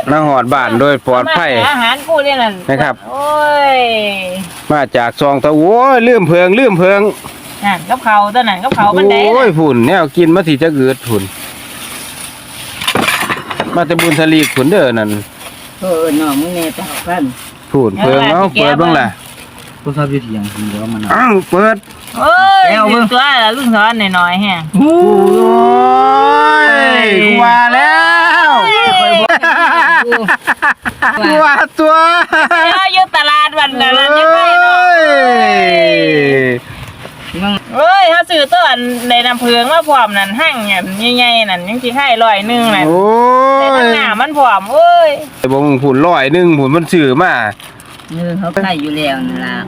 มาหอดบ้านโดยปลอดภัยอาหารกูเนี่ยนั่นนะครับโอ้ยมาจากซองตะโอ้ยลืมเพิงนั่นกับเขาตอนนั้นกับเขาบันไดโอ้ยฝุ่นแนวกินมาสิจะเกิดฝุ่นมาแต่บุญทลีฝุ่นเด้อนั่นน้องมึงเนี่ยจะเอากันฝุ่นเพิงเอาเปิดบ้างล่ะก็ทราบวิธีอย่างเดียวมันเปิดโอ้ยลุงตัวละลุงสอนหน่อยๆแฮะโอ้ยกว่าแล้วกว่าตัวอยู่ตลาดวันนั้นยังไงเนาะเฮ้ยเขาซื้อต้นในน้ำเพืองมาพร้อมนั่นหั่งเนี่ยใหญ่ๆนั่นยังสิให้100นึงนั่นแต่ข้างหน้ามันพร้อมโอ้ยบ่มึงผุน100นึงผุนมันซื้อมาเขาใส่อยู่แล้วนั่นล่ะ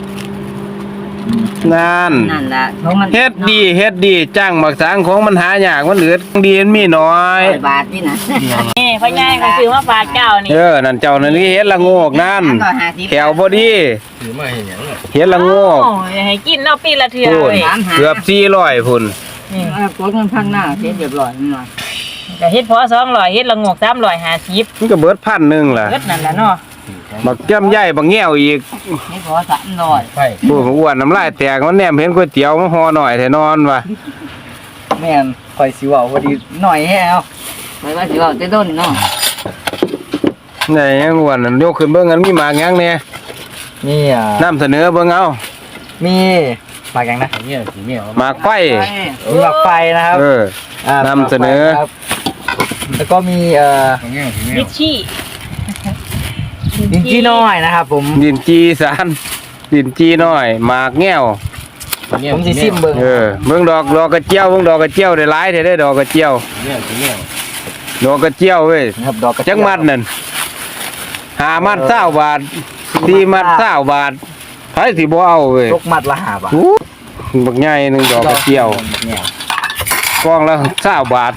นั่นล่ะเฮ็ดดีจ้างมักสางของมันหายากมันเหลือดีมันมีน้อยบาทนี่นะนี่พ่อใหญ่ก็ซื้อมาฝากเจ้านี่นั่นเจ้านั่นนี่เฮ็ดละโงกนั่นแขวพอดีถือมาเห็นอย่างเฮ็ดละโงกให้กินเนาะปีละเทื่อเว้ยเกือบ400พุ่นนี่กดเงินพังหน้าเฮ็ดเรียบร้อยนี่ล่ะก็เฮ็ดพอ200เฮ็ดละโงก350 มันก็เบิด1,000ล่ะเบิดนั่นล่ะเนาะบักแก้มใหญ่บักแง่วอีกนี่พอ300 ใช่ผู้อ้วนน้ำลายแตกมันแนมเห็นก๋วยเตี๋ยวมันห่อหน่อยแท้นอนว่ะแม่นคอยสิว่าพอดีหน่อยแฮวไปว่าสิว่าแต่ต้นเนาะไหนยังอ้วนนั่นยกขึ้นเบิ่งกันมีหมากยังแน่นี่นำเสนอเบิ่งเอามีหมากยังนะหมากไฟมีหมากไฟนะครับนำเสนอแล้วก็มีลิชี่ดินจี้น้อยนะครับผมดินจีสารดินจีน้อยหมากแง่วผมสิซิมเบิ่งเบิ่งดอกกระเจียวเบิ่งดอกกระเจียวได้หลายได้ดอกกระเจียวดอกกระเจียวเว้ยครับดอกกระจักมัดนั่น5มัด20บาท4มัด20บาทไผสิบ่เอาเว้ยตกมัดละ5บาทบักใหญ่นึงดอกกระเจียวกองละ20บาท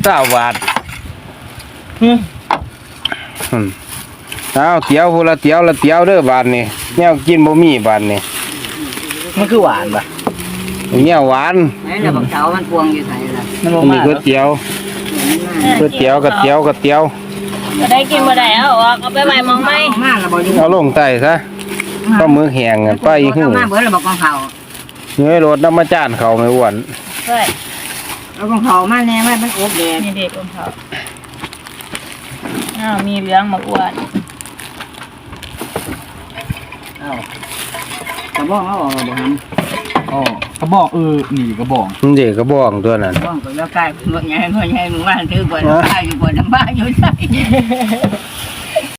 เอาเตี๋ยวพูละเตี๋ยวละเตี๋ยวเด้อบาทนี่แนวกินบ่มีบาทนี่มันคือหวานป่ะแนวหวานไอ้น่ะบักเช้ามันพวงอยู่ไสล่ะนี่ก๋วยเตี๋ยวก็ได้กินบ่ได้เอาไปไว้มองมั้ยมาแล้วบ่อยู่เอาลงใต้ซะก็มือแห้งกันไปอีกมาเบิดแล้วบ่กองเขาเนื้อรถน้ำมาจานเขาไม่อ้วนเฮ้ยเอากองเขามาแน่มันอบแดงนี่เด็กกองเขามีเหลืองมาอ้วนกระบอกเอาบ่ทกระบอกนี่กระบอกเด็กกระบอกตัวนั้นกระบอกแล้วกายบ่ใหญ่มึงว่าถือบ่ได้อยู่บ่น้ำบ้าอยู่ใส่